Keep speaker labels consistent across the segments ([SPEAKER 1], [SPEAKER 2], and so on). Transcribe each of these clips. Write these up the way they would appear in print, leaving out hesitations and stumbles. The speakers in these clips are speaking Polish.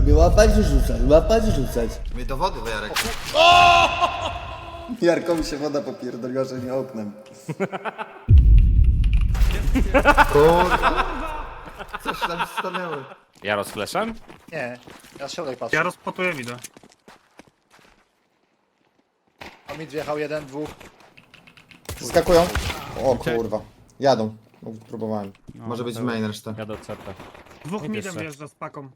[SPEAKER 1] Nie łapać i rzucać.
[SPEAKER 2] Mnie do wody, Jarek.
[SPEAKER 1] Jarkowi się woda popierdoliła, że nie oknem.
[SPEAKER 2] Kurwa. Coś tam stanęło.
[SPEAKER 3] Jaro z fleszem?
[SPEAKER 4] Nie, ja z środek patrzę.
[SPEAKER 5] Ja rozpotuję widzę.
[SPEAKER 4] A mi wjechał jeden, dwóch.
[SPEAKER 1] Skakują. O kurwa. Jadą. No, próbowałem.
[SPEAKER 2] Może być main reszta.
[SPEAKER 3] Ja do CT.
[SPEAKER 5] Dwóch
[SPEAKER 3] Nie
[SPEAKER 5] midem
[SPEAKER 3] pierwsze.
[SPEAKER 5] wjeżdża z paką.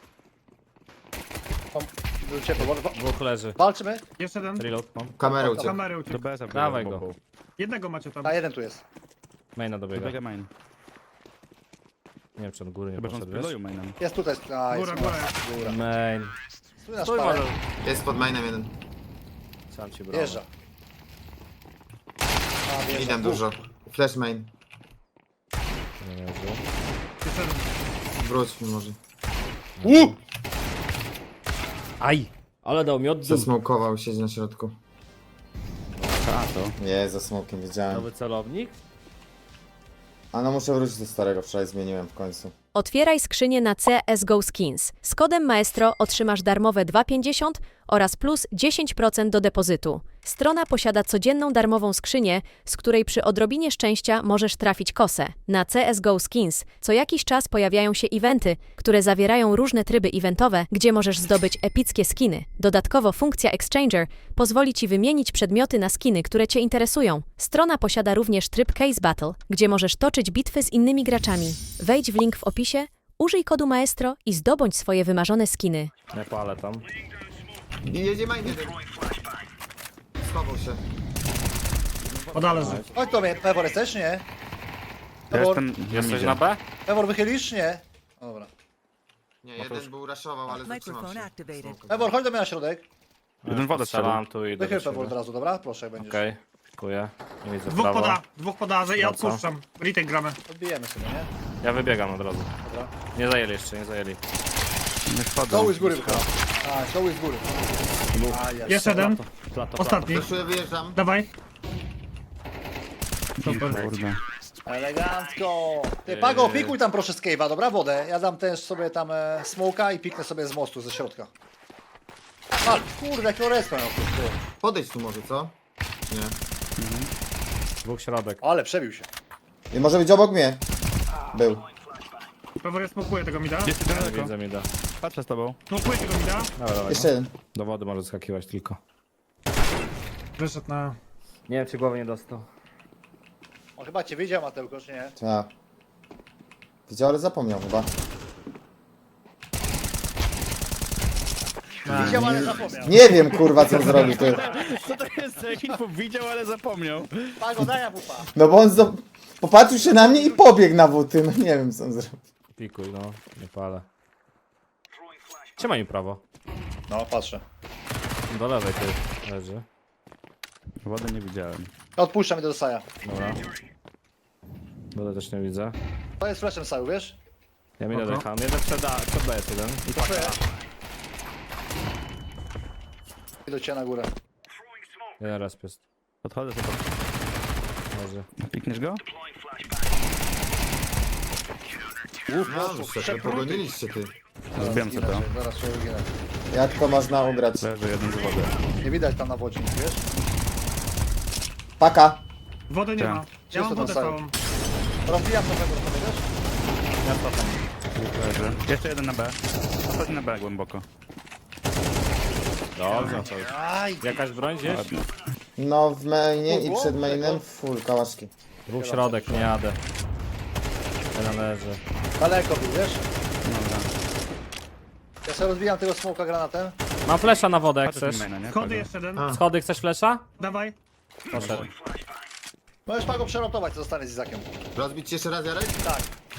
[SPEAKER 4] Był ciepły.
[SPEAKER 3] Dwóch leży.
[SPEAKER 4] Walczymy?
[SPEAKER 5] Jeszcze jeden.
[SPEAKER 3] Reload mam.
[SPEAKER 2] Kamerę
[SPEAKER 5] Do
[SPEAKER 2] uciekł.
[SPEAKER 5] kamery
[SPEAKER 6] Do
[SPEAKER 5] uciekł.
[SPEAKER 6] BS-a
[SPEAKER 3] Dawaj go.
[SPEAKER 5] Jednego macie tam.
[SPEAKER 4] A jeden tu jest.
[SPEAKER 3] Maina dobiega.
[SPEAKER 6] Dobiega main.
[SPEAKER 3] Nie wiem czy on góry nie
[SPEAKER 6] Chyba, że on
[SPEAKER 3] poszedł, wiesz?
[SPEAKER 6] spiloił mainem.
[SPEAKER 4] Jest tutaj. A,
[SPEAKER 5] Góra,
[SPEAKER 4] jest
[SPEAKER 5] góra.
[SPEAKER 4] góra.
[SPEAKER 3] Main.
[SPEAKER 4] Stój na
[SPEAKER 3] Stój
[SPEAKER 4] szparę.
[SPEAKER 3] może.
[SPEAKER 2] Jest pod mainem jeden.
[SPEAKER 3] Sam ci brał.
[SPEAKER 4] Wjeżdża. A, wjeżdża.
[SPEAKER 2] Idę dużo. Flash main.
[SPEAKER 3] Nie leży.
[SPEAKER 5] Jeszcze jeden.
[SPEAKER 2] Wróć mi może.
[SPEAKER 3] Aj! Ale dał mi oddum.
[SPEAKER 2] Zasmokował, siedzi na środku.
[SPEAKER 6] A to.
[SPEAKER 1] Nie, za smokiem wiedziałem.
[SPEAKER 3] Nowy celownik.
[SPEAKER 1] A no muszę wrócić do starego, wczoraj zmieniłem w końcu.
[SPEAKER 7] Otwieraj skrzynię na CSGO Skins. Z kodem Maestro otrzymasz darmowe 2,50 oraz plus 10% do depozytu. Strona posiada codzienną darmową skrzynię, z której przy odrobinie szczęścia możesz trafić kosę. Na CSGO Skins co jakiś czas pojawiają się eventy, które zawierają różne tryby eventowe, gdzie możesz zdobyć epickie skiny. Dodatkowo funkcja Exchanger pozwoli Ci wymienić przedmioty na skiny, które Cię interesują. Strona posiada również tryb Case Battle, gdzie możesz toczyć bitwy z innymi graczami. Wejdź w link w opisie, użyj kodu Maestro i zdobądź swoje wymarzone skiny.
[SPEAKER 3] Nie palę tam.
[SPEAKER 2] I jedzie main jeden. Schował się.
[SPEAKER 5] Podależy.
[SPEAKER 4] Chodź do mnie, Pewor jesteś, nie?
[SPEAKER 6] Ja
[SPEAKER 4] Pewor,
[SPEAKER 6] jestem...
[SPEAKER 3] Jesteś na B?
[SPEAKER 4] Pewor wychylisz, nie? Dobra.
[SPEAKER 2] Nie, jeden był raszował, ale zatrzymał
[SPEAKER 8] Microphone
[SPEAKER 2] się.
[SPEAKER 8] activated.
[SPEAKER 4] Pewor, chodź do mnie na środek.
[SPEAKER 6] Jeden wodę strzela.
[SPEAKER 3] Strzelam tu i idę
[SPEAKER 4] Wychyl
[SPEAKER 3] do
[SPEAKER 4] Pewor od
[SPEAKER 3] siebie.
[SPEAKER 4] razu, dobra? Proszę, jak będziesz.
[SPEAKER 3] Okej. Dziękuję. Nie widzę
[SPEAKER 5] Dwóch
[SPEAKER 3] prawo.
[SPEAKER 5] poda. Dwóch poda, ja
[SPEAKER 3] No co?
[SPEAKER 5] odpuszczam. Retake gramy.
[SPEAKER 4] Odbijemy sobie, nie?
[SPEAKER 3] Ja wybiegam od razu.
[SPEAKER 4] Dobra.
[SPEAKER 3] Nie zajęli jeszcze, nie zajęli.
[SPEAKER 6] Nie wchodzą.
[SPEAKER 4] Doły z góry wychyla. A, doły z góry. A, jest.
[SPEAKER 5] Jeszcze jeden.
[SPEAKER 3] Plato,
[SPEAKER 5] Ostatni.
[SPEAKER 2] Zeszuję, wyjeżdżam.
[SPEAKER 5] Dawaj. Super.
[SPEAKER 6] Kurde.
[SPEAKER 4] Elegancko! Ty, Pago, pikuj tam proszę z cave'a, dobra? Wodę. Ja dam też sobie tam smoka i piknę sobie z mostu, ze środka. A, kurde, jakiego respa miał ktoś, ty.
[SPEAKER 2] Podejdź tu może, co? Nie.
[SPEAKER 3] Dwóch środek.
[SPEAKER 4] Ale przebił się.
[SPEAKER 1] I może być obok mnie. Był.
[SPEAKER 5] Pewor ja smokuję tego mida.
[SPEAKER 6] Jest jeden daleko.
[SPEAKER 3] Widzę mi da.
[SPEAKER 6] Patrzę z tobą.
[SPEAKER 5] Smokuję tego mida.
[SPEAKER 3] Dobra, dawaj.
[SPEAKER 1] Jeszcze jeden.
[SPEAKER 3] Do wody może skakiwać tylko.
[SPEAKER 5] Wyszedł na...
[SPEAKER 3] Nie wiem czy głowy nie dostał.
[SPEAKER 4] On chyba cię widział, Mateusz, nie?
[SPEAKER 1] Tak. Widział, ale zapomniał chyba.
[SPEAKER 4] Widział, ale zapomniał.
[SPEAKER 1] Nie wiem kurwa co zrobił ty.
[SPEAKER 6] Co to jest za info? Widział, ale zapomniał.
[SPEAKER 4] Pago, daj wupa.
[SPEAKER 1] No bo on popatrzył się na mnie i pobiegł na buty. No nie wiem co on zrobił.
[SPEAKER 3] Pikuj, no. Nie palę. Trzymaj mi prawo.
[SPEAKER 4] No, patrzę.
[SPEAKER 3] Do lewej ty leży.
[SPEAKER 6] Wody nie widziałem.
[SPEAKER 4] Odpuszczam idę do Saja.
[SPEAKER 3] Dobra. Wodę też nie widzę.
[SPEAKER 4] To jest flashem Saju, wiesz?
[SPEAKER 3] Ja mi dodecham. Jeden przed B jest jeden. I paka.
[SPEAKER 4] I do ciebie na górę.
[SPEAKER 3] Jeden raz jest.
[SPEAKER 6] Podchodzę sobie.
[SPEAKER 3] Leży.
[SPEAKER 6] Pikniesz go?
[SPEAKER 2] No, szefie, pogoniliście ty.
[SPEAKER 6] Zbijam sobie to.
[SPEAKER 4] Zaraz się uginę.
[SPEAKER 1] Jak to można ugrać?
[SPEAKER 6] Leży jeden z wody.
[SPEAKER 4] Nie widać tam na wodzie, nic, wiesz?
[SPEAKER 1] Paka.
[SPEAKER 5] Wody nie
[SPEAKER 6] Tak.
[SPEAKER 5] ma. Ja
[SPEAKER 4] Czysto
[SPEAKER 5] mam wodę
[SPEAKER 4] tam
[SPEAKER 5] całą.
[SPEAKER 4] Rozbijam to Pewor, wiesz?
[SPEAKER 6] Leży. Jeszcze jeden na B. Ostatni na B głęboko.
[SPEAKER 3] Dobrze, to już.
[SPEAKER 4] Aj!
[SPEAKER 3] Jakaś broń gdzieś?
[SPEAKER 6] Ładnie.
[SPEAKER 1] No w mainie i przed mainem full kałaszki.
[SPEAKER 3] Dwóch środek, nie jadę. Jeden leży.
[SPEAKER 4] Daleko był, wiesz?
[SPEAKER 6] Dobra.
[SPEAKER 4] Ja sobie rozbijam tego smoka granatem.
[SPEAKER 3] Mam flesza na wodę, jak
[SPEAKER 6] Patrzę
[SPEAKER 3] chcesz.
[SPEAKER 6] z maina, nie?
[SPEAKER 5] Schody
[SPEAKER 6] Pago.
[SPEAKER 5] jeszcze jeden.
[SPEAKER 2] A.
[SPEAKER 3] Schody, chcesz flesza?
[SPEAKER 5] Dawaj.
[SPEAKER 3] Poszedł.
[SPEAKER 4] Możesz Pago przerotować, co zostanie z Izakiem.
[SPEAKER 2] Rozbić ci jeszcze raz, Jarek?
[SPEAKER 4] Tak.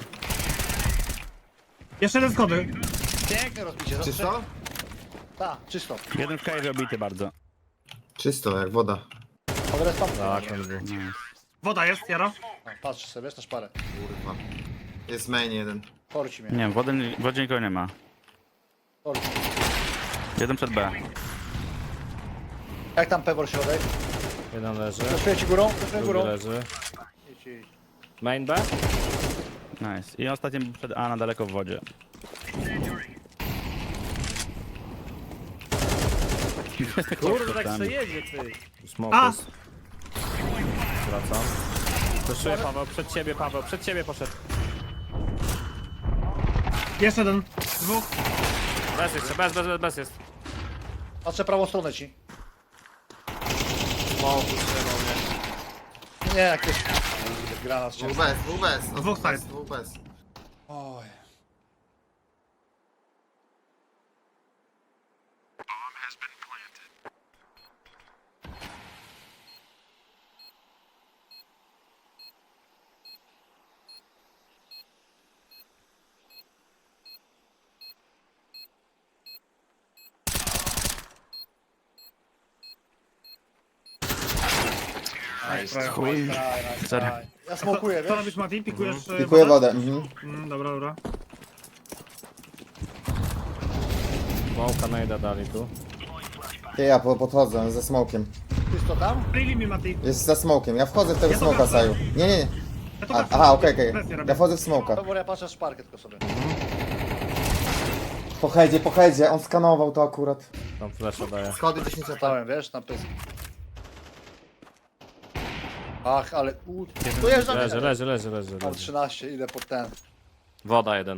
[SPEAKER 5] Jeszcze jeden schody.
[SPEAKER 4] Piękne rozbicie.
[SPEAKER 2] Czysto?
[SPEAKER 4] Tak, czysto.
[SPEAKER 6] Jeden w kajerze obity bardzo.
[SPEAKER 2] Czysto, jak woda.
[SPEAKER 4] Mogę respam?
[SPEAKER 3] Tak, on był.
[SPEAKER 6] Nice.
[SPEAKER 5] Woda jest, Jaro.
[SPEAKER 4] Patrz sobie, wiesz, na szparę.
[SPEAKER 2] Kurwa. Jest main jeden.
[SPEAKER 4] Porci mnie.
[SPEAKER 6] Nie, w wodzie nikogo nie ma.
[SPEAKER 4] Porci.
[SPEAKER 6] Jeden przed B.
[SPEAKER 4] Jak tam Pewor środek?
[SPEAKER 3] Jeden leży.
[SPEAKER 4] Zaszuję ci górą? Zaszuję
[SPEAKER 3] Drugi
[SPEAKER 4] górą.
[SPEAKER 3] leży.
[SPEAKER 4] Idź, idź.
[SPEAKER 3] Main B?
[SPEAKER 6] Nice. I ostatni był przed A na daleko w wodzie.
[SPEAKER 3] Kurde, tak se jedzie, ty. Smoke
[SPEAKER 5] A!
[SPEAKER 3] jest. Wracam. Proszę Paweł, przed ciebie poszedł.
[SPEAKER 5] Jeszcze jeden. Dwóch.
[SPEAKER 3] Bez jeszcze, bez jest.
[SPEAKER 4] Patrzę prawą stronę ci.
[SPEAKER 3] Smoke utrzymał mnie.
[SPEAKER 4] Nie, jakieś... Granat cię.
[SPEAKER 2] Dwóch bez, dwóch bez. No,
[SPEAKER 5] Dwóch side.
[SPEAKER 2] Dwóch bez.
[SPEAKER 4] Oj.
[SPEAKER 6] Chuj. Sorry.
[SPEAKER 4] Ja smokuję,
[SPEAKER 5] Co
[SPEAKER 4] wiesz?
[SPEAKER 5] robisz, Mati? Pikujesz
[SPEAKER 1] Pikuję wodę. Mhm.
[SPEAKER 5] Dobra, dobra.
[SPEAKER 3] Smoke'a najda dali tu.
[SPEAKER 1] Ja podchodzę ze smokiem.
[SPEAKER 4] Ty jest to tam?
[SPEAKER 5] Pryli mi, Mati.
[SPEAKER 1] Jest za smokiem. Ja wchodzę w tego
[SPEAKER 5] Ja to
[SPEAKER 1] smoka,
[SPEAKER 5] wracam.
[SPEAKER 1] Saju. Nie.
[SPEAKER 5] Ja to
[SPEAKER 1] A,
[SPEAKER 5] wracam.
[SPEAKER 1] aha, okej.
[SPEAKER 5] Presję robię.
[SPEAKER 1] Ja wchodzę w smoka.
[SPEAKER 4] Dobra, ja patrzę szparkę tylko sobie.
[SPEAKER 1] Po headzie. On skanował to akurat.
[SPEAKER 3] Tam flasha daje.
[SPEAKER 2] Schody 10 lat.
[SPEAKER 4] Stałem, wiesz, na pysk. Ach, ale... Tu jest
[SPEAKER 3] Leży.
[SPEAKER 4] Mam 13, idę pod ten.
[SPEAKER 3] Woda jeden.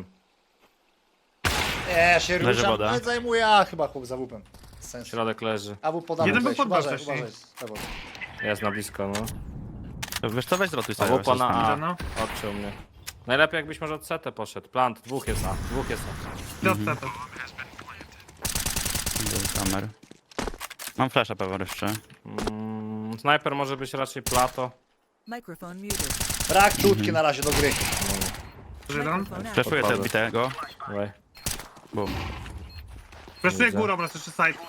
[SPEAKER 4] Nie, się
[SPEAKER 6] Leży
[SPEAKER 4] ruszam,
[SPEAKER 6] woda.
[SPEAKER 4] nie zajmuję, a chyba chłop za łupem. Sens.
[SPEAKER 3] Środek leży.
[SPEAKER 4] A wup podamy
[SPEAKER 5] Jeden był
[SPEAKER 4] weź,
[SPEAKER 5] pod B
[SPEAKER 4] uważaj,
[SPEAKER 5] wcześniej.
[SPEAKER 4] uważaj.
[SPEAKER 3] Jest na blisko, no.
[SPEAKER 6] To wiesz co, weź zrotuj
[SPEAKER 3] A
[SPEAKER 6] sobie.
[SPEAKER 3] wupa na A.
[SPEAKER 5] No.
[SPEAKER 3] Odciął mnie. Najlepiej jakbyś może od CT poszedł. Plant, dwóch jest A.
[SPEAKER 5] Dobrze, to.
[SPEAKER 6] Kamer. Mam flasha pewnie jeszcze.
[SPEAKER 3] Snajper może być raczej plato.
[SPEAKER 8] Microphone muted.
[SPEAKER 4] Brak czutki na razie do gry.
[SPEAKER 5] Jeden.
[SPEAKER 8] Microphone out.
[SPEAKER 6] Flashuję te odbitego.
[SPEAKER 3] Dawaj.
[SPEAKER 6] Bum.
[SPEAKER 5] Wreszcie
[SPEAKER 3] Widzę.
[SPEAKER 5] górą, raz jeszcze side.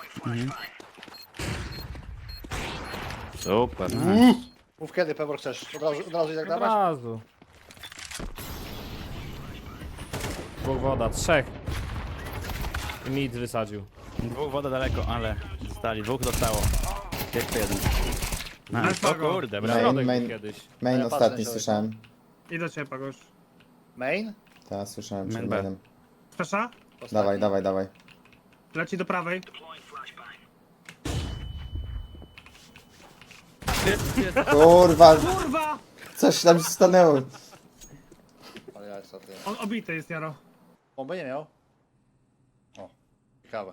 [SPEAKER 3] Super.
[SPEAKER 4] Mów kiedy, Pewor, chcesz? Od razu i tak
[SPEAKER 3] Od
[SPEAKER 4] dawać?
[SPEAKER 3] razu. Dwóch woda, trzech. I mid wysadził.
[SPEAKER 6] Dwóch woda daleko, ale zostali. Dwóch zostało. Jeszcze jeden.
[SPEAKER 5] Bez
[SPEAKER 6] O
[SPEAKER 5] pago.
[SPEAKER 6] kurde, brawo.
[SPEAKER 3] Środek
[SPEAKER 1] main.
[SPEAKER 3] był kiedyś.
[SPEAKER 1] Main
[SPEAKER 4] Ja patrzę
[SPEAKER 1] ostatni
[SPEAKER 4] na
[SPEAKER 1] słyszałem.
[SPEAKER 5] I do ciebie, Pagosz.
[SPEAKER 4] Main?
[SPEAKER 1] Tak, słyszałem
[SPEAKER 6] Main
[SPEAKER 1] przed
[SPEAKER 6] B.
[SPEAKER 1] mainem.
[SPEAKER 5] Flesza?
[SPEAKER 1] Dawaj.
[SPEAKER 5] Leci do prawej.
[SPEAKER 1] Kurwa,
[SPEAKER 5] Kurwa!
[SPEAKER 1] coś tam się stanęło.
[SPEAKER 4] Ale ja jest ty.
[SPEAKER 5] On obity jest, Jaro.
[SPEAKER 4] Bomby nie miał? O, ciekawe.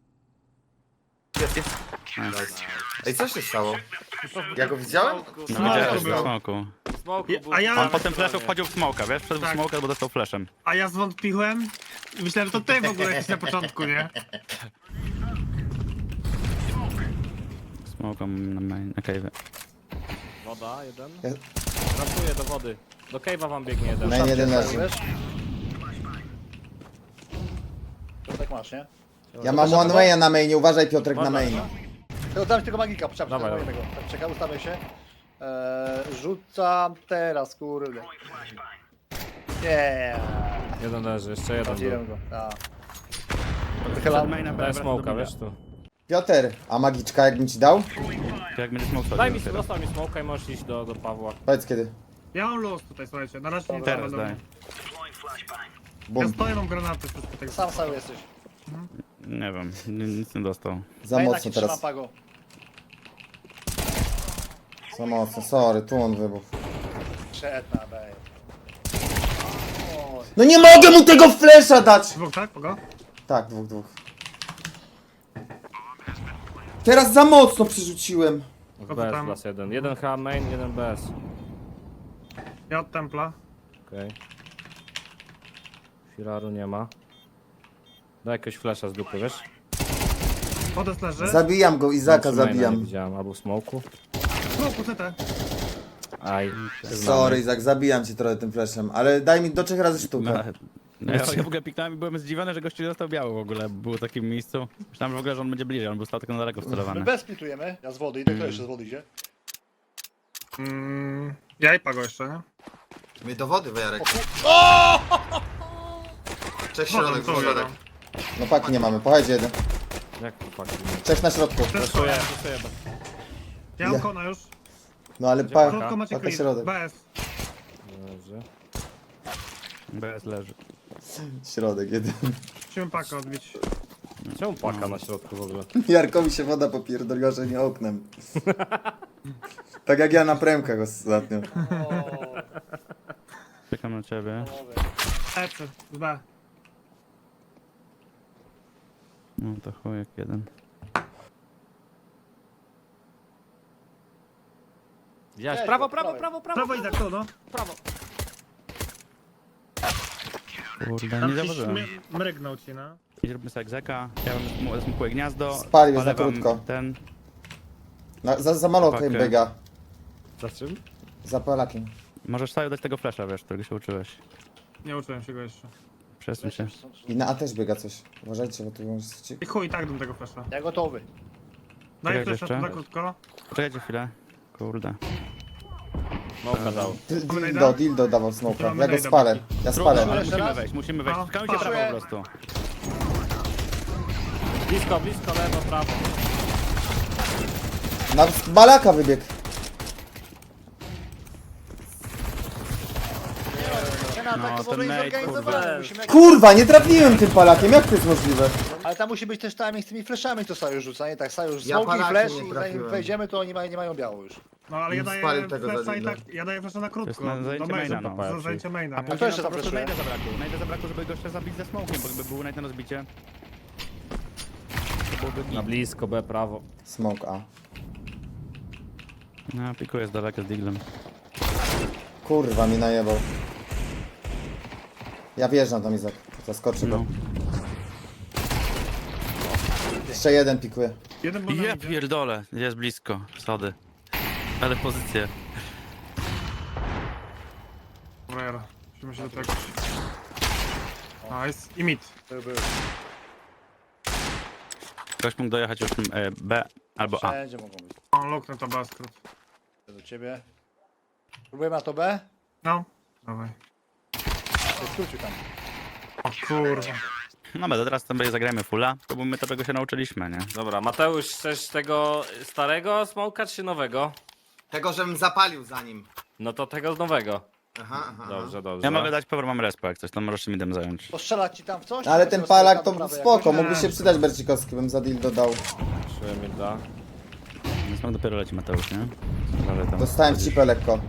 [SPEAKER 2] Ej, co się stało? Ja go widziałem?
[SPEAKER 6] No
[SPEAKER 5] Smoku
[SPEAKER 6] widziałeś
[SPEAKER 5] był.
[SPEAKER 6] w smoku.
[SPEAKER 3] Smoku był
[SPEAKER 5] A ja-
[SPEAKER 6] On po tym flashu wchodził w smoka, wiesz? Wszedł w
[SPEAKER 5] Tak.
[SPEAKER 6] smoka, bo dostał flashem.
[SPEAKER 5] A ja zwątpiłem i myślałem, że to ty w ogóle jakiś na początku, nie?
[SPEAKER 6] Smoka na main, na cave.
[SPEAKER 3] Woda, jeden.
[SPEAKER 1] Ja-
[SPEAKER 3] Ratuję do wody. Do cave'a wam biegnie jeden.
[SPEAKER 1] Main jeden leży.
[SPEAKER 4] Wiesz? To tak masz, nie?
[SPEAKER 1] Ja mam one way'a na mainie, uważaj Piotrek na
[SPEAKER 3] Można,
[SPEAKER 1] mainie.
[SPEAKER 4] To dam ci tego magika, poczekaj,
[SPEAKER 3] Dawaj,
[SPEAKER 4] tego. Tak, czekaj, ustawię się. Rzucam teraz, kurde. Nie.
[SPEAKER 3] Jeden leży, jeszcze jeden
[SPEAKER 4] Trafiłem
[SPEAKER 3] był.
[SPEAKER 4] go. Tak.
[SPEAKER 6] Przed maina
[SPEAKER 3] Daj
[SPEAKER 6] wraca
[SPEAKER 3] smoka,
[SPEAKER 6] do mida.
[SPEAKER 3] wiesz tu.
[SPEAKER 1] Piotr, a magiczka jakbym ci dał?
[SPEAKER 6] To jak będzie smoke
[SPEAKER 3] Daj mi,
[SPEAKER 6] schodził,
[SPEAKER 3] dostał mi smoka i możesz iść do Pawła.
[SPEAKER 1] Powiedz kiedy.
[SPEAKER 5] Ja mam luz tutaj, słuchajcie. Na razie nie
[SPEAKER 6] Teraz
[SPEAKER 5] będą.
[SPEAKER 6] daj.
[SPEAKER 5] Ja
[SPEAKER 1] Bum.
[SPEAKER 5] stoję, mam granaty. Wszystko tak.
[SPEAKER 4] Sam cały jesteś.
[SPEAKER 6] Nie wiem, nic nie dostał.
[SPEAKER 1] Za
[SPEAKER 4] Maina
[SPEAKER 1] mocno
[SPEAKER 4] ci trzyma,
[SPEAKER 1] teraz.
[SPEAKER 4] Pago.
[SPEAKER 1] Za mocno, sorry, tu on wybuchł.
[SPEAKER 4] Przetna, bej.
[SPEAKER 1] No nie mogę mu tego flesza dać!
[SPEAKER 5] Dwóch, tak? Pogo?
[SPEAKER 1] Tak, dwóch. Teraz za mocno przerzuciłem.
[SPEAKER 3] W
[SPEAKER 5] to
[SPEAKER 3] BS
[SPEAKER 5] tam?
[SPEAKER 3] plus jeden. Jeden H main, jeden BS.
[SPEAKER 5] Ja od templa.
[SPEAKER 3] Okej. Firaru nie ma. Daj jakiegoś flasha z dupy, wiesz?
[SPEAKER 5] Podest leży.
[SPEAKER 1] Zabijam go, Izaka
[SPEAKER 3] Maina Nie
[SPEAKER 1] zabijam.
[SPEAKER 3] widziałem, albo w smoku.
[SPEAKER 5] Smoku, CT.
[SPEAKER 3] Aj.
[SPEAKER 1] Sorry Izak, zabijam cię trochę tym flashem, ale daj mi do 3 razy sztukę.
[SPEAKER 6] No, ja w ogóle piknąłem i byłem zdziwiony, że gościu został biały w ogóle. Był w takim miejscu. Myślałem że w ogóle, że on będzie bliżej, on był stał tylko na daleko
[SPEAKER 4] My
[SPEAKER 6] wcelowany.
[SPEAKER 4] bez splitujemy. Ja z wody idę, kto jeszcze z wody idzie?
[SPEAKER 5] Ja i Pago jeszcze, nie?
[SPEAKER 2] Mnie do wody, Wyjarek. Cześć, środek,
[SPEAKER 5] to
[SPEAKER 2] środek.
[SPEAKER 5] Jaro.
[SPEAKER 1] No paki nie mamy, pochodź jeden.
[SPEAKER 3] Jak chłopaki?
[SPEAKER 1] Cześć na środku.
[SPEAKER 3] Reszuję.
[SPEAKER 5] Ja mam
[SPEAKER 1] Ja.
[SPEAKER 5] kona już.
[SPEAKER 1] No ale
[SPEAKER 5] Krótko macie
[SPEAKER 1] paka
[SPEAKER 5] clear.
[SPEAKER 1] środek.
[SPEAKER 5] BS.
[SPEAKER 3] Dobrze.
[SPEAKER 6] BS leży.
[SPEAKER 1] Środek jeden.
[SPEAKER 5] Musimy pakę odbić.
[SPEAKER 3] Czemu paka na środku w ogóle?
[SPEAKER 1] Jarkowi się woda popierdoliła, że nie oknem. Tak jak ja na premkach ostatnio.
[SPEAKER 6] Czekam na ciebie.
[SPEAKER 5] Lecę, B.
[SPEAKER 6] No to chujek jeden.
[SPEAKER 3] Widziałeś?
[SPEAKER 4] Cześć,
[SPEAKER 3] Prawo,
[SPEAKER 4] prawo.
[SPEAKER 3] prawo, prawo, prawo.
[SPEAKER 5] Prawo i tak to, no.
[SPEAKER 6] Kurde,
[SPEAKER 5] Tam
[SPEAKER 6] nie
[SPEAKER 5] gdzieś
[SPEAKER 6] zauważyłem.
[SPEAKER 5] mrygnął ci, no.
[SPEAKER 6] I zróbmy sobie egzeka. Ja bym smukuję gniazdo.
[SPEAKER 1] Spalił za
[SPEAKER 6] palę wam
[SPEAKER 1] krótko.
[SPEAKER 6] Ten.
[SPEAKER 1] Za malokiem
[SPEAKER 6] Pakę.
[SPEAKER 1] biega.
[SPEAKER 3] Za czym?
[SPEAKER 1] Za Polakiem.
[SPEAKER 6] Możesz sobie dać tego flasha, wiesz, którego się uczyłeś.
[SPEAKER 5] Nie uczyłem się go jeszcze.
[SPEAKER 6] Przesuń się.
[SPEAKER 1] I na A też biega coś. Uważajcie, bo tu może...
[SPEAKER 5] I chuj, tak dam tego flasha.
[SPEAKER 4] Ja gotowy.
[SPEAKER 5] Daję
[SPEAKER 6] Czekaj
[SPEAKER 5] flasha
[SPEAKER 6] jeszcze.
[SPEAKER 5] za krótko.
[SPEAKER 6] Poczekajcie chwilę. Kurde.
[SPEAKER 3] Smoka dał.
[SPEAKER 1] Dildo dawał smoka.
[SPEAKER 5] Mamy
[SPEAKER 1] Ja go
[SPEAKER 5] najda,
[SPEAKER 1] spalę. Ja
[SPEAKER 6] Ale
[SPEAKER 1] spalę.
[SPEAKER 6] musimy wejść.
[SPEAKER 5] No,
[SPEAKER 6] Skałujcie prawo po prostu.
[SPEAKER 3] Blisko, blisko, lewo, prawo.
[SPEAKER 1] Na balaka wybiegł.
[SPEAKER 6] No, ten nate, kurde.
[SPEAKER 1] Kurwa, nie trafiłem tym palakiem. Jak to jest możliwe?
[SPEAKER 4] Ale tam musi być też timing z tymi flashami, to Sajusz rzuca, nie tak? Sajusz,
[SPEAKER 2] Ja
[SPEAKER 4] smoki i
[SPEAKER 2] palakiem
[SPEAKER 4] flash
[SPEAKER 2] nie
[SPEAKER 4] i zanim
[SPEAKER 2] trafiłem.
[SPEAKER 4] wejdziemy, to oni nie mają biało już.
[SPEAKER 5] No ale ja daję
[SPEAKER 2] Spalił tego
[SPEAKER 5] flasha
[SPEAKER 2] za
[SPEAKER 5] i
[SPEAKER 2] dildo.
[SPEAKER 5] tak, ja daję flasha na krótko.
[SPEAKER 6] To jest na zajęcie maina, no.
[SPEAKER 5] Za zajęcie maina,
[SPEAKER 6] A
[SPEAKER 5] nie?
[SPEAKER 6] później
[SPEAKER 4] to jeszcze
[SPEAKER 6] po prostu
[SPEAKER 4] zapraszuję.
[SPEAKER 6] najdę zabrakło. Najdę zabrakło, żeby gościa zabić ze smokiem, bo gdyby był najdę na rozbicie. To byłoby
[SPEAKER 3] Na
[SPEAKER 6] git.
[SPEAKER 3] blisko, B, prawo.
[SPEAKER 1] Smoke A.
[SPEAKER 6] No, pikuję z daleka z diglem.
[SPEAKER 1] Kurwa, mi najebał. Ja wjeżdżam tam, Izak. Zaskoczy go.
[SPEAKER 6] No.
[SPEAKER 1] Jeszcze jeden pikuje.
[SPEAKER 5] Jeden bo
[SPEAKER 6] Ja pierdolę, jest blisko. Sody. Ale pozycję.
[SPEAKER 5] Dobra, musimy się do tego. Nice. I mid.
[SPEAKER 6] Ktoś mógł dojechać już B albo A.
[SPEAKER 4] Wszędzie mogą być.
[SPEAKER 5] O, luknę to baskret.
[SPEAKER 4] Do ciebie. Próbujemy na to B?
[SPEAKER 5] No. Dawaj.
[SPEAKER 4] Skrócił tam.
[SPEAKER 5] O kurwa.
[SPEAKER 6] No ale teraz sobie zagrajmy fulla, to bo my tego się nauczyliśmy, nie?
[SPEAKER 3] Dobra, Mateusz, chcesz tego starego smoka czy nowego?
[SPEAKER 2] Tego, żebym zapalił za nim.
[SPEAKER 3] No to tego nowego.
[SPEAKER 2] Aha, aha.
[SPEAKER 3] Dobrze, dobrze.
[SPEAKER 6] Ja mogę dać power, mam respa jak coś, to możesz midem zająć.
[SPEAKER 4] Postrzelać ci tam w coś?
[SPEAKER 1] Ale ten palak to
[SPEAKER 4] Prawej
[SPEAKER 1] spoko,
[SPEAKER 4] jakoś?
[SPEAKER 1] mógłby się przydać Bercikowski, bym za dildo dał.
[SPEAKER 3] Czuję mi da.
[SPEAKER 6] Więc mam dopiero leci Mateusz, nie? Ale tam
[SPEAKER 1] Dostałem cipę lekko.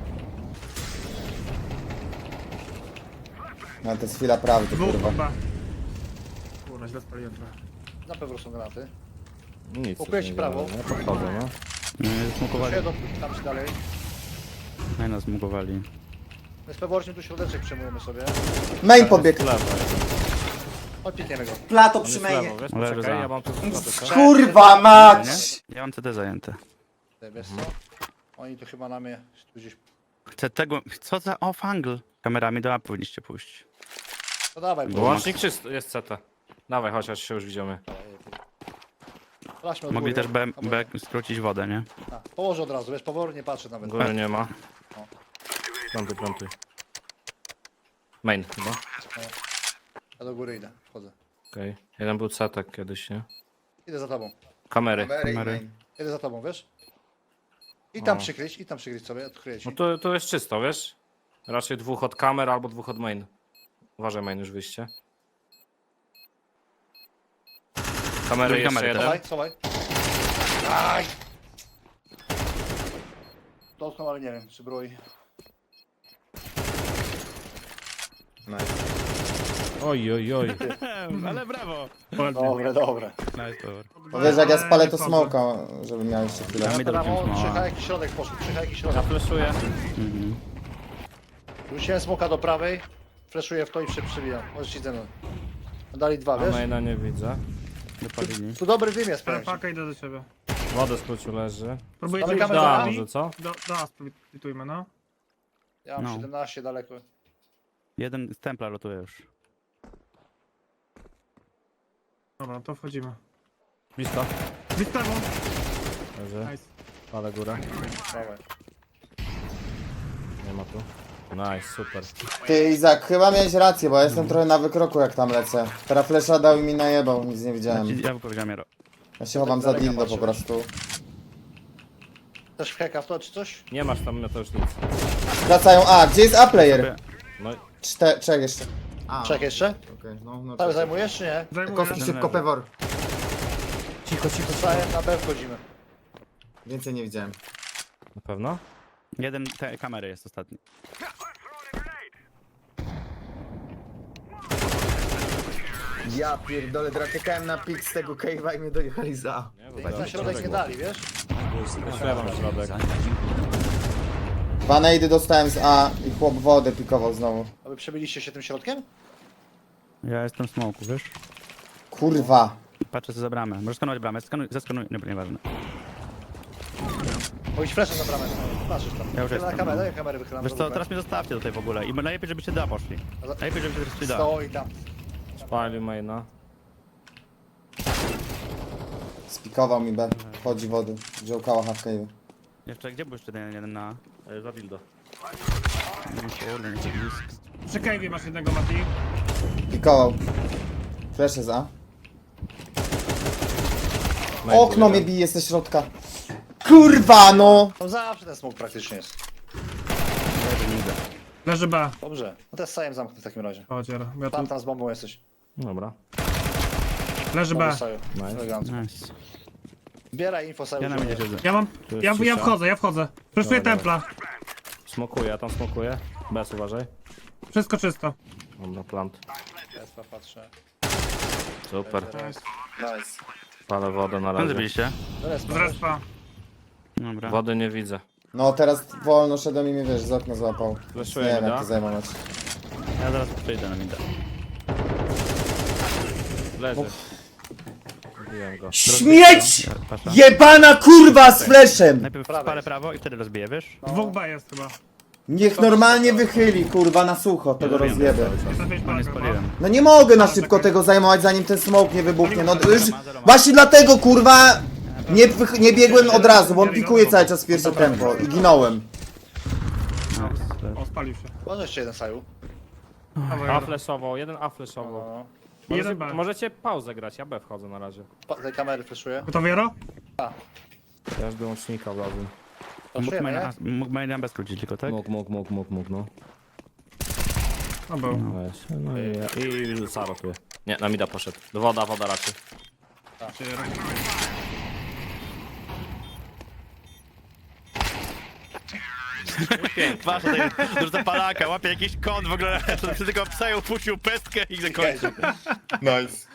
[SPEAKER 1] No to jest chwila prawdy,
[SPEAKER 5] Dwóch
[SPEAKER 1] kurwa.
[SPEAKER 5] chyba. Kurwa, źle spaliłem trochę.
[SPEAKER 4] Na pewno są granaty.
[SPEAKER 3] Nic.
[SPEAKER 4] Pokryję
[SPEAKER 3] tu
[SPEAKER 4] ci
[SPEAKER 3] nie
[SPEAKER 4] prawo.
[SPEAKER 3] działo, nie? Podchodzę, no.
[SPEAKER 6] Smukowali.
[SPEAKER 4] Się do, tam się dalej.
[SPEAKER 6] No nas smukowali.
[SPEAKER 4] My z pewnością tu środeczek przejmujemy sobie.
[SPEAKER 1] Main podbieg.
[SPEAKER 3] Lewo.
[SPEAKER 4] Odpikniemy go.
[SPEAKER 1] Plato
[SPEAKER 3] On jest
[SPEAKER 1] przy
[SPEAKER 3] lewo,
[SPEAKER 1] mainie.
[SPEAKER 3] wiesz,
[SPEAKER 6] Leży
[SPEAKER 3] poczekaj,
[SPEAKER 6] za.
[SPEAKER 3] ja mam tu sklepy,
[SPEAKER 1] Kurwa mać!
[SPEAKER 6] Nie? Ja mam CD zajęte.
[SPEAKER 4] Wiesz co? Oni tu chyba na mnie tu gdzieś...
[SPEAKER 6] Chcę tego... Co za off-angle? Kamerami do A powinniście pójść.
[SPEAKER 4] No dawaj,
[SPEAKER 3] Bo łącznik czysty, jest CT. Dawaj, chodź się już widzimy.
[SPEAKER 4] Sprawdźmy od
[SPEAKER 6] Mogli
[SPEAKER 4] góry.
[SPEAKER 6] też B
[SPEAKER 4] Dobra.
[SPEAKER 6] skrócić wodę, nie?
[SPEAKER 4] A, położę od razu, wiesz, powoli nie patrzę nawet.
[SPEAKER 3] Góry nie ma. Plantuj, plantuj. Main chyba.
[SPEAKER 4] Ja do góry idę, wchodzę.
[SPEAKER 3] Okej. Jeden był CT kiedyś, nie?
[SPEAKER 4] Idę za tobą.
[SPEAKER 3] Kamery.
[SPEAKER 6] Kamery.
[SPEAKER 4] Idę za tobą, wiesz? I tam przykryć sobie, odkryję ci.
[SPEAKER 3] No to jest czysto, wiesz? Raczej dwóch od kamer albo dwóch od main. Uważaj main już wyjście. Kamery
[SPEAKER 6] Drugi
[SPEAKER 3] jeszcze
[SPEAKER 6] kamery
[SPEAKER 3] jeden.
[SPEAKER 4] Schowaj. Aj! Dotknął, ale nie wiem, czy broi.
[SPEAKER 3] Oj, oj, oj.
[SPEAKER 6] Ale brawo!
[SPEAKER 4] Dobre.
[SPEAKER 6] Nice power.
[SPEAKER 1] Bo wiesz, jak ja spalę to smoka, żeby miał jeszcze chwilę.
[SPEAKER 6] Ja mi
[SPEAKER 4] Teraz
[SPEAKER 6] dropiem smoła.
[SPEAKER 4] Przycha jakiś środek poszedł, przycha jakiś środek.
[SPEAKER 3] Fleszuję.
[SPEAKER 4] Rzuciłem smoka do prawej, flashuję w to i przebijam. Możesz ci ze mną. Dali dwa,
[SPEAKER 3] A
[SPEAKER 4] wiesz?
[SPEAKER 3] maina nie widzę.
[SPEAKER 6] Wypalili.
[SPEAKER 4] Tu dobry dym jest, powiem ci.
[SPEAKER 5] Paka idę do ciebie.
[SPEAKER 3] Wodę skrócił leży.
[SPEAKER 5] Próbujecie
[SPEAKER 4] Zamykamy
[SPEAKER 5] iść
[SPEAKER 4] za
[SPEAKER 3] Da,
[SPEAKER 4] nami?
[SPEAKER 3] może co?
[SPEAKER 5] do A splitujmy, no.
[SPEAKER 4] Ja mam
[SPEAKER 6] No.
[SPEAKER 4] 17 daleko.
[SPEAKER 6] Jeden z templa rotuje już.
[SPEAKER 5] Dobra, to wchodzimy.
[SPEAKER 3] Blisko.
[SPEAKER 5] Wystawą!
[SPEAKER 3] Leży.
[SPEAKER 5] Nice.
[SPEAKER 3] Ale górę.
[SPEAKER 4] Dawaj.
[SPEAKER 3] Nie ma tu. Nice, super.
[SPEAKER 1] Ty Izak, chyba miałeś rację, bo ja jestem trochę na wykroku jak tam lecę. Teraz flesza dał i mi najebał, nic nie widziałem.
[SPEAKER 6] Ja powiedziałem Jaro.
[SPEAKER 1] Ja się chowam za dildo po prostu.
[SPEAKER 4] Też heka w to czy coś?
[SPEAKER 3] Nie masz tam to już nic.
[SPEAKER 1] Wracają A, gdzie jest A-player?
[SPEAKER 3] No
[SPEAKER 1] Czek jeszcze.
[SPEAKER 2] A,
[SPEAKER 4] Czek jeszcze?
[SPEAKER 2] okej, no, no.
[SPEAKER 4] Cały
[SPEAKER 2] czekaj.
[SPEAKER 4] zajmujesz czy nie?
[SPEAKER 5] Zajmuję.
[SPEAKER 2] Kostki szybko, pewor.
[SPEAKER 1] Cicho, cicho.
[SPEAKER 4] Sajem na B wchodzimy.
[SPEAKER 2] Więcej nie widziałem.
[SPEAKER 3] Na pewno?
[SPEAKER 6] Jeden te kamery jest ostatni.
[SPEAKER 2] Ja pierdolę, czekałem na pik z tego cave'a i mnie dojechali za.
[SPEAKER 4] Na środek nie dali, wiesz?
[SPEAKER 3] Śpiewam środek.
[SPEAKER 1] Dwa nade dostałem z A i chłop wodę pikował znowu.
[SPEAKER 4] A wy przebiliście się tym środkiem?
[SPEAKER 6] Ja jestem w smoku, wiesz?
[SPEAKER 1] Kurwa.
[SPEAKER 6] Patrzę co za bramę. Możesz skanować bramę, zeskanuj, nieważne.
[SPEAKER 4] Pójdź fleszem na bramę. Patrzysz tam.
[SPEAKER 6] Ja już
[SPEAKER 4] Na
[SPEAKER 6] jestem,
[SPEAKER 4] kamerę,
[SPEAKER 6] no.
[SPEAKER 4] daj kamerę wychylam.
[SPEAKER 6] Wiesz co, teraz mnie zostawcie tutaj w ogóle i najlepiej żebyście da poszli. Najlepiej żebyście teraz da.
[SPEAKER 4] Stoi tam.
[SPEAKER 3] Spalił maina.
[SPEAKER 1] Spikował mi B. Chodzi wody. Wziął kała half-cave'u.
[SPEAKER 6] Jeszcze, gdzie był jeszcze ten jeden na...
[SPEAKER 3] Za dildo.
[SPEAKER 6] Kurde, nie blisko.
[SPEAKER 5] Przy cave'ie masz jednego, Mati.
[SPEAKER 1] Pikował. Flesze z A. Okno mnie bije ze środka. Kurwa no!
[SPEAKER 4] No zawsze ten smok praktycznie jest.
[SPEAKER 5] Leży B.
[SPEAKER 4] Dobrze. No to jest sajem zamknę w takim razie.
[SPEAKER 5] Chodź, Jaro. Ja tu...
[SPEAKER 4] Tam z bombą jesteś.
[SPEAKER 3] Dobra.
[SPEAKER 5] Leży B.
[SPEAKER 4] Dobry saju.
[SPEAKER 3] Nice.
[SPEAKER 4] Elegancko.
[SPEAKER 6] Nice.
[SPEAKER 4] Zbieraj info saju.
[SPEAKER 6] Ja na mnie siedzę.
[SPEAKER 5] Ja mam...
[SPEAKER 3] jest
[SPEAKER 5] Ja
[SPEAKER 3] cisza.
[SPEAKER 5] wchodzę. Przeszuję
[SPEAKER 3] Dobra,
[SPEAKER 5] templa.
[SPEAKER 3] Smokuję, ja tam smokuję. Bez, uważaj.
[SPEAKER 5] Wszystko czysto.
[SPEAKER 3] Dobra, plant.
[SPEAKER 4] Ja patrzę.
[SPEAKER 3] Super.
[SPEAKER 5] Nice.
[SPEAKER 2] Nice.
[SPEAKER 3] Palę wodę na
[SPEAKER 6] Tam
[SPEAKER 3] razie.
[SPEAKER 6] zrobiliście?
[SPEAKER 5] Z respa.
[SPEAKER 6] Dobra.
[SPEAKER 3] Wody nie widzę.
[SPEAKER 1] No teraz wolno szedłem i mnie wiesz, z okna złapał.
[SPEAKER 3] Fleszuję
[SPEAKER 1] Nie wiem
[SPEAKER 3] mi,
[SPEAKER 1] jak
[SPEAKER 3] da?
[SPEAKER 1] to zajmować.
[SPEAKER 6] Ja zaraz przyjdę na minę.
[SPEAKER 3] Leży. Zabiłem go.
[SPEAKER 1] Śmieć!
[SPEAKER 6] Pasza.
[SPEAKER 1] Jebana kurwa z fleszem!
[SPEAKER 6] Najpierw
[SPEAKER 4] Prawej.
[SPEAKER 6] spalę prawo i wtedy rozbiję, wiesz?
[SPEAKER 5] Dwóch B jest chyba.
[SPEAKER 1] Niech normalnie wychyli kurwa na sucho tego
[SPEAKER 6] Zrobiłem
[SPEAKER 1] rozjebę.
[SPEAKER 5] Trafiłeś
[SPEAKER 6] No
[SPEAKER 5] Polaka,
[SPEAKER 6] nie spaliłem.
[SPEAKER 1] No nie mogę na szybko tego zajmować zanim ten smoke nie wybuchnie. No już właśnie dlatego kurwa nie biegłem od razu, bo on pikuje cały czas pierwsze tempo i ginąłem.
[SPEAKER 5] O, spalił się.
[SPEAKER 4] Może jeszcze jeden saju.
[SPEAKER 5] Dawaj,
[SPEAKER 3] A
[SPEAKER 5] Jaro.
[SPEAKER 3] fleszował, jeden A fleszował.
[SPEAKER 4] No.
[SPEAKER 5] Jeden
[SPEAKER 3] Możecie,
[SPEAKER 5] B.
[SPEAKER 3] możecie pauzę grać, ja B wchodzę na razie.
[SPEAKER 4] Tej kamery fleszuję.
[SPEAKER 5] Gotowy, Jaro?
[SPEAKER 3] Ja już wyłącznika wlazłem.
[SPEAKER 4] Fleszujemy, nie?
[SPEAKER 6] Mógł maina bez skrócić tylko, tak?
[SPEAKER 3] Mógł, no.
[SPEAKER 5] No był.
[SPEAKER 3] Weź. No i Saro tu. Nie, na mida poszedł. Woda raczej.
[SPEAKER 5] Czy Jaro?
[SPEAKER 6] Patrz, tutaj dużo palaka, łapie jakiś kąt w ogóle, tylko psa upuścił pestkę i zakończył.
[SPEAKER 2] Nice.